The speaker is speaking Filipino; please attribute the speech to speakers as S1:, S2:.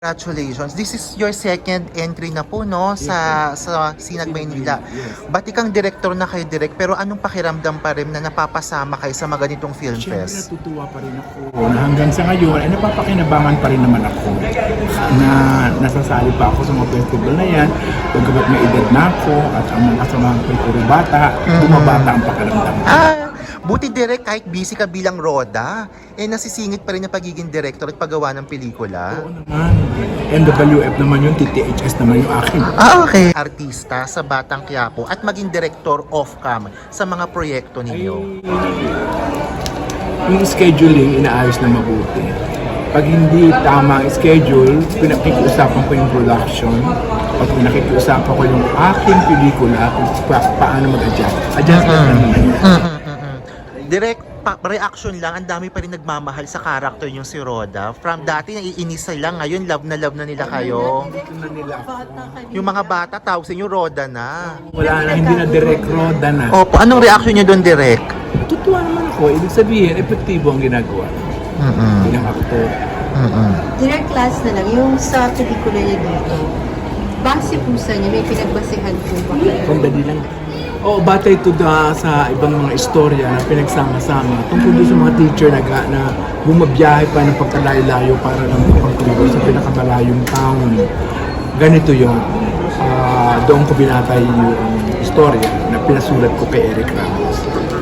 S1: Congratulations. This is your second entry na po, no, sa Sinag, Maynila.
S2: Yes.
S1: Ba't ikang director na kayo direct, pero anong pakiramdam pa rin na napapasama kayo sa mga ganitong film
S2: Siyempre
S1: fest?
S2: natutuwa pa rin ako na hanggang sa ngayon ay napapakinabangan pa rin naman ako na nasasali pa ako sa mga festival na yan. Pagkabat may edad na ako at ang mga kasamahan ko ay puro bata, bumabata ang pakiramdam.
S1: Buti direct kahit busy ka bilang Roda, nasisingit pa rin ang pagiging director at paggawa ng pelikula.
S2: Oo naman. NWF naman yun, TTHS naman yung akin.
S1: Okay. Artista sa Batang Quiapo at maging director off-cam sa mga proyekto ninyo.
S2: Yung scheduling, inaayos na mabuti. Pag hindi tama ang schedule, pinakikiusapan ko yung production at pinakikiusapan ko yung aking pelikula kung paano mag-adjust. Adjust na naman yan.
S1: Direct reaction lang, ang dami pa rin nagmamahal sa character yung si Roda. From dati naiinis sila, ngayon love na nila kayo.
S2: Dito na nila ako.
S1: Yung mga bata tawag sa inyo Roda na.
S2: Wala na, hindi na direct roda na.
S1: Opo, anong reaction niyo doon direct?
S2: Natutuwa naman ako. Ibig sabihin, epektibo ang ginagawa bilang actor.
S3: Direct class na lang, yung sa pelikula niya dito, base po sa niya, may pinagbasehan po ba?
S2: Sandali lang. Oo, batay ito sa ibang mga istorya na pinagsama-sama tungkol doon sa mga teacher na bumabiyahe pa ng pagkalayo-layo para lang pagtulog sa pinakamalayong town. Ganito yun. Doon ko binatay yung istorya na pinasulat ko kay Eric Ramos.